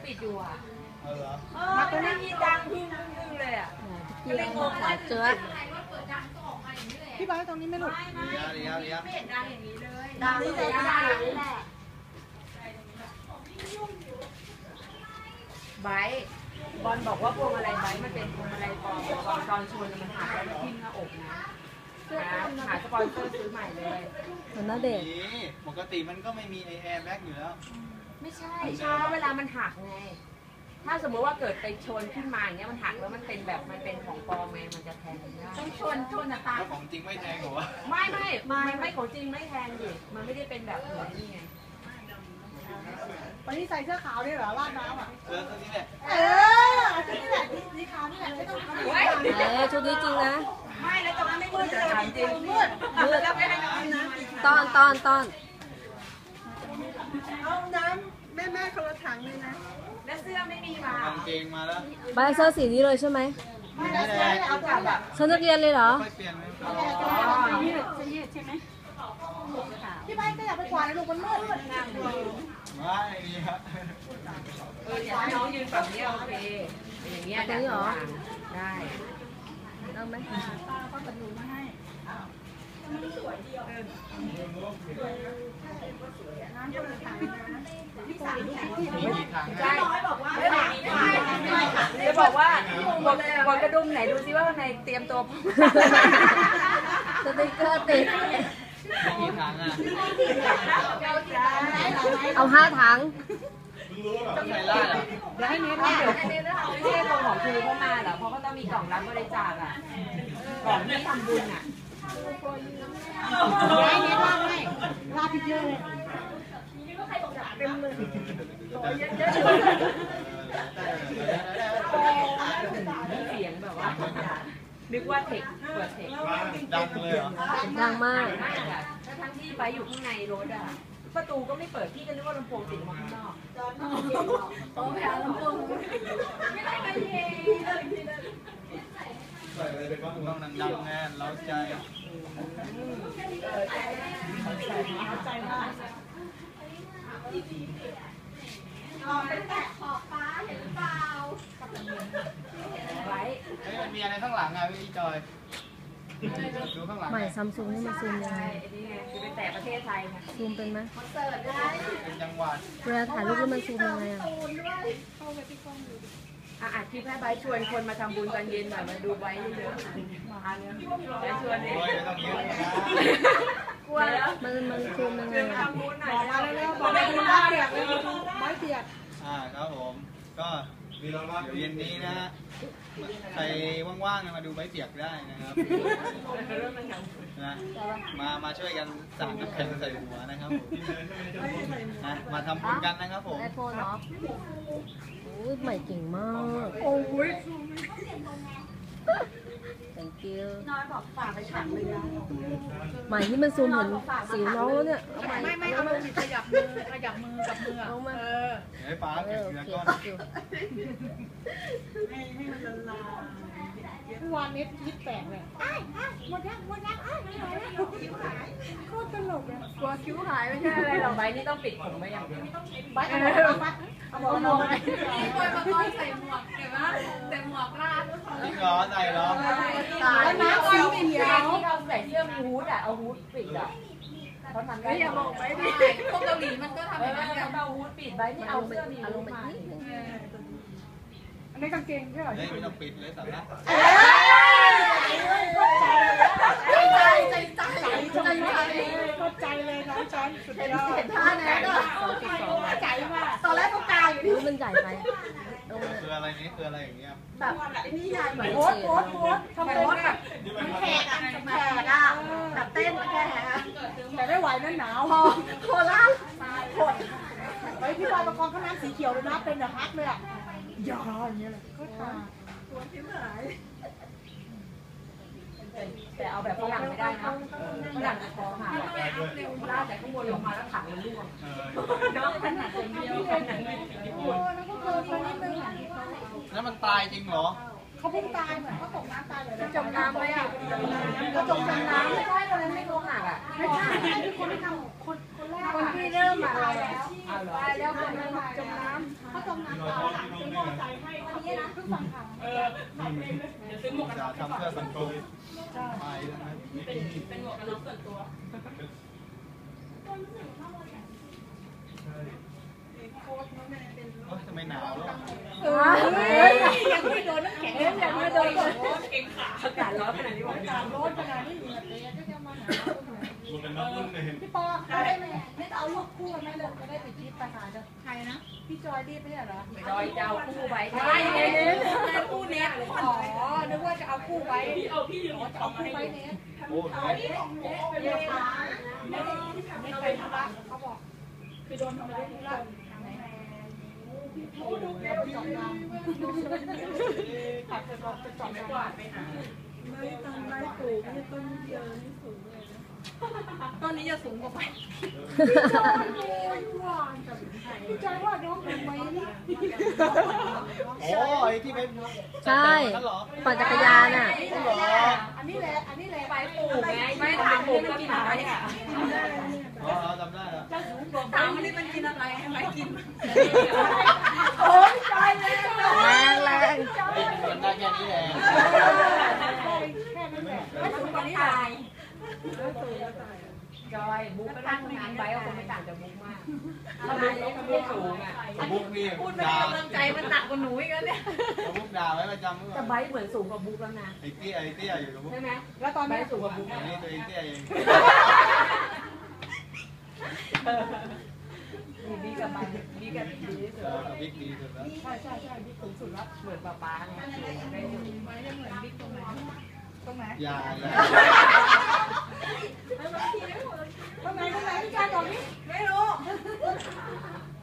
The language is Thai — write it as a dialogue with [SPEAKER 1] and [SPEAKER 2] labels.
[SPEAKER 1] ปิดอยู่อ่ะ
[SPEAKER 2] มาตรงนี้มีดังพึ่งเลยอ่ะ
[SPEAKER 3] พี่เองขาเจือ
[SPEAKER 2] พี่บอยตรงนี้ไม่หลุด
[SPEAKER 1] ไม่เห็นดังอย่างนี้เลย
[SPEAKER 2] ดังเลยดังอย่างนี้แหละ
[SPEAKER 1] ไบบอลบอกว่าพวงอะไรไบมันเป็นพวงอะไรปลอมตอนชนมันหักแล้วทิ่มหน้าอกนะหาสปอนเซอร์ซื้อใหม่เลย
[SPEAKER 3] มันน่าเด็ก
[SPEAKER 4] ปกติมันก็ไม่มีแอร์แบ็กอยู่แล้ว
[SPEAKER 1] ไม่ใช่เพราะเวลามันหักไงถ้าสมมติว่าเกิดไปชนขึ้นมาอย่างเงี้ยมันหักแล้วมันเป็นแบบมันเป็นของปลอมไงมันจะแทงได้ต้องชนนะตา
[SPEAKER 4] ของจริงไม่แทงหรอวะ
[SPEAKER 1] ไม่ของจริงไม่แทงดิมันไม่ได้เป็นแบบเหมือนนี่ไง
[SPEAKER 2] วันนี้ใส่เสื้อขาวนี่เหรอลาดน้ำอ่ะ
[SPEAKER 4] เสื้อนี้แหละ
[SPEAKER 2] ชุดนี้แหละสีขาวนี่แหละไม่ต้องท
[SPEAKER 3] ำชุดนี้จริงนะ
[SPEAKER 2] ไม่แล้วตรงนั้นไม่มืดเลยจริงมืดแล้วไม่ให้น้ำนะ
[SPEAKER 3] ตอน
[SPEAKER 2] เอาน้ำแม่คนละถังเลยนะ
[SPEAKER 1] แล้วเสื้อไม่มีมาก
[SPEAKER 4] างเกงมาแล้ว
[SPEAKER 3] ใบเสื้อสีนี้เลยใช่ไหม
[SPEAKER 2] ไม่ได้เสื้อเอากลับแบบ
[SPEAKER 3] ชุดนักเรียนเลยเหรอ
[SPEAKER 4] ไม่เปลี่ยนไหม
[SPEAKER 2] ยืดใช่ไหมพี่ใบก็อยากไปกวาดลูกมันมืดงามเลย
[SPEAKER 4] ไม่ดีครับ
[SPEAKER 1] อยากให้น้องยืนฝั่งนี้โอเคอย่างเงี้ยได้เหรอได้
[SPEAKER 3] เอาไหม
[SPEAKER 2] ป้าก็กระดูมาให้สวยเดียวน้ำคนละถังพี่สาว
[SPEAKER 1] ใช่บอกว่าจะบอกว่าบนกระดุมไหนดูซิว่าในเตรียมตัว
[SPEAKER 3] สติ๊กเกอร์ติด
[SPEAKER 4] กี่ถังอ่ะ
[SPEAKER 3] เอา5 ถัง
[SPEAKER 4] ต้องใส่ล่าเหรอ
[SPEAKER 1] เดี๋ยวให้เน็ตไม่ใช่กล่องของครูเข้ามาเหรอเพราะเขาต้องมีกล่องรับบริจาคอ่ะกล่องที่ทำบุญอ่ะ
[SPEAKER 2] ให้เน็ตลาดให้ลาดเยอะเลยเต็มเลย
[SPEAKER 1] เสียงแบบว่านึกว่าเทคเปิดเทค
[SPEAKER 4] ดังเลยเหรอ
[SPEAKER 3] ดังมาก
[SPEAKER 1] ทั้งที่ไปอยู่ข้างในรถอ่ะประตูก็ไม่เปิดพี่ก็นึกว่าลำโพงติดมาข้างนอกโอ้แพ้ลำโพงไม่ได้ไปเอง
[SPEAKER 4] ใส่อะไรไปบ้างต้องดังแน่นเล้าใจ
[SPEAKER 2] ใจมาก
[SPEAKER 1] ไปแตะขอบฟ้าเห็นเปล่าไว้
[SPEAKER 4] มันมีอะไรข้างหลังอ่ะพี่จอยดูข้างหลัง
[SPEAKER 3] ใหม่ซัมซุงนี่มันซูมยังไง
[SPEAKER 1] นี่ไงคือไปแตะประเทศไทยไง
[SPEAKER 3] ซูมเป็นไหม
[SPEAKER 4] เป็นจังหวัด
[SPEAKER 3] เวลาถ่ายรูปแล้วมันซูมยังไงอ่ะ
[SPEAKER 1] อัดคลิปให้ใบชวนคนมาทำบุญตอนเย็นหน่อยมาดูใบเยอะมาเนี่ยใบชวนเนี่ย
[SPEAKER 4] ไม่ต้องยืน
[SPEAKER 1] กลัวแล้ว
[SPEAKER 3] มันซูมยังไง
[SPEAKER 1] ทำบุญหน่อย
[SPEAKER 2] มาแล้วบอกไปดูเปียกเลยไม้เปียก
[SPEAKER 4] ครับผมก็เดี๋ยวเย็นนี้นะใครว่างๆมาดูใบเปียกได้นะครับนะมาช่วยกันสั่งน้ำแข็งใส่หัวนะครับนะมาทำบุญกันนะครับผม
[SPEAKER 3] ไอโฟนเนาะโอ้ยใหม่เก่งมาก
[SPEAKER 2] โอ้ย
[SPEAKER 3] thank you
[SPEAKER 2] น้อยบอกฝากไปฉันเลยนะ
[SPEAKER 3] ใหม่นี่มันซูมเห็นสิวน้องแล้วเนี่ย
[SPEAKER 2] ไม่เอามือขยับมือกับมือ
[SPEAKER 3] เอามา
[SPEAKER 4] ให้ป้าเก็บเงินก้อน
[SPEAKER 2] ให้มันละลายวันนี้คิดแปลกเลยหมดยังไม่ไหวแล้วคิ้วหายโคตรตลกเลย
[SPEAKER 1] กลัวคิ้วหายไม่ใช่อะไรหรอกใบนี่ต้องปิดผมไว้อย่างเดียว
[SPEAKER 2] ใบเอาบอกเราไป
[SPEAKER 1] พี่บอยมาก้อนใส่หมวกเห็นไหมใส่หมวกลาด
[SPEAKER 4] จริงเหรอใส่เหรอ
[SPEAKER 1] แล้วน้ำสีเขียวที่เราใส่เสื้อฮูดอ่ะเอาฮูดปิดอ่ะเขาทำได้
[SPEAKER 2] อย่าบอกไปดิ
[SPEAKER 1] พวกเกาหลีมันก็ทำแบบนั้นเอาฮูดปิดใบนี่เอาเสื้อมีฮูดมา
[SPEAKER 2] อันนี้กางเกงใช่ไหม
[SPEAKER 4] ไม่ต้องปิดเลยสาระ
[SPEAKER 2] เข้าใจเลยน้องจอนสุดยอด
[SPEAKER 1] เห็นท่านะก็
[SPEAKER 2] ใจมากตอนแรกก็กาวอยู่
[SPEAKER 3] นี่มันใหญ่ไป
[SPEAKER 4] คืออะไรนี้คืออะไรอย่างเงี้ย
[SPEAKER 1] แบบนี่ยายเหมือน
[SPEAKER 2] โพสทำไมวะแบบ
[SPEAKER 1] มันแขกอ่ะแบบเต้นแขก
[SPEAKER 2] แต่ไม่ไหวนั่นหนาว
[SPEAKER 1] โคราช
[SPEAKER 2] หดไปพี่บอยประกอบข้างน้ำสีเขียวเลยนะเป็นแบบฮักเลยอ่ะยาอย่างเงี้ยเลยก็ทาตัวที่หาย
[SPEAKER 1] แต่เอาแบบฝรั่งไม่ได้นะฝรั่งคอหักลากแต่ข้างบนลงมาแล้วถังมันร่วงน้องขนาดคนเดียวขนาดนี้
[SPEAKER 2] โอ้แล้วก็เกินไปนิดนึง
[SPEAKER 4] แล้วมันตายจริงเหรอ
[SPEAKER 2] เขาเพิ่งตายเหมือนเขาตกน้ำตายเลย
[SPEAKER 1] จมน้ำไหมอ่ะ
[SPEAKER 2] เขาจมน้ำ
[SPEAKER 1] ไม่ใช่ตอนนั้นไม่โกหักอ่ะ
[SPEAKER 2] ไม่ใช่ที่คนที่ทำคนแรก
[SPEAKER 1] คนที่เริ่มมาตายแล้ว
[SPEAKER 2] ตายแล้วคนนั้นจมน้ำเขาจมน้ำตายซื้อมอเตอร์ไซค์ให้คนนี้นะเพิ่งฟังข่าวขับเองเลย
[SPEAKER 4] จะทำเพื่อสังคมไปแล้วนะ
[SPEAKER 1] เป็นหมวกกันน็อกส่วนตัว
[SPEAKER 4] ทำไมหนาวอ่ะ
[SPEAKER 2] ยังไม่โดนน้ำแข็งยังไม่โดนเก่งขา
[SPEAKER 1] อากาศร้อนขนาดนี้บอก
[SPEAKER 2] อากาศร้อนขนาดนี้เหงื่อเตะก็จะมาหนาวพี่ปอได้ไหมไม่เอาลูกคู่กันไหมลูกจะได้ไปจิ๊บไปหาจะใครนะพี่จอยรีบไม่ใช่เหรอ
[SPEAKER 1] จอยเจ้าคู่ไว้
[SPEAKER 2] ใช่เน้นคู่เน็ตอ๋อนึกว่าจะเอาคู่ไว้จะเอาคู่ไว้เน็ต
[SPEAKER 4] โอ้ย
[SPEAKER 2] ไม่ไปธุระเขาบอกคือโดนทำร้ายธุระขับไปบอกจะจอดไม่กวาดไปหาไม่ต้นไม้ปลูกไม่ต้นเดียวนี่สูงเลยนะต้นนี้จะสูงกว่าไปพี่จอยว่าน้องเป็นไว้นี่
[SPEAKER 4] โอ้ยที่เป็น
[SPEAKER 3] ใช่ปั่นจักรยานอ่ะ
[SPEAKER 2] อันนี้แหละอันนี้แหละ
[SPEAKER 1] ไปปลูกไงไม่ถามปลูกก็กินอะไรอ่ะ
[SPEAKER 4] อ๋อจำได้แล้ว
[SPEAKER 1] ถามมันนี่มันกินอะไรให้ไปกิน
[SPEAKER 2] โอ้ยจอยเลย
[SPEAKER 3] แรงแรง
[SPEAKER 4] มันได้แค่นี้แหละ
[SPEAKER 2] แค่นั้นแหละ
[SPEAKER 1] ไม่สูงกว่านี้ตายจอยบุ๊กไปนั่งงานไว้ก็คงไม่ต่างจากบุ๊กมากถ้าบุ๊กไม่สูงอ่ะ
[SPEAKER 4] บุ๊กนี่
[SPEAKER 1] พูดไม่ได้กำลังใจมันหนักกว่าหนูอีกแล้วเนี่ย
[SPEAKER 4] บุ๊กด่าไว้ประจำเมื่อ
[SPEAKER 1] แต่ไบเหมือนสูงกว่าบุ๊กแล้วนะ
[SPEAKER 4] ไอ้เตี้ยอยู่กับบุ๊ก
[SPEAKER 1] ใช่ไหม
[SPEAKER 2] แล้วตอน
[SPEAKER 1] ไบ
[SPEAKER 2] นี้
[SPEAKER 1] สูงกว่าบุ๊ก
[SPEAKER 4] อันนี้ตัวเองเตี้ยเอง
[SPEAKER 1] บีกับไบบีกับดีที่สุด
[SPEAKER 4] กับบิ๊กดีสุดแล้ว
[SPEAKER 2] ใช่ใช่ใช่บิ๊กสูงสุดแล้ว
[SPEAKER 1] เหมือนป๊าไงได้อยู่
[SPEAKER 2] ไว้จะเหมือนบิ๊กตรงไหนตรงไหน
[SPEAKER 4] อย่า
[SPEAKER 2] ตรงไหนพี่จอยบอกนี่
[SPEAKER 1] ไม่รู้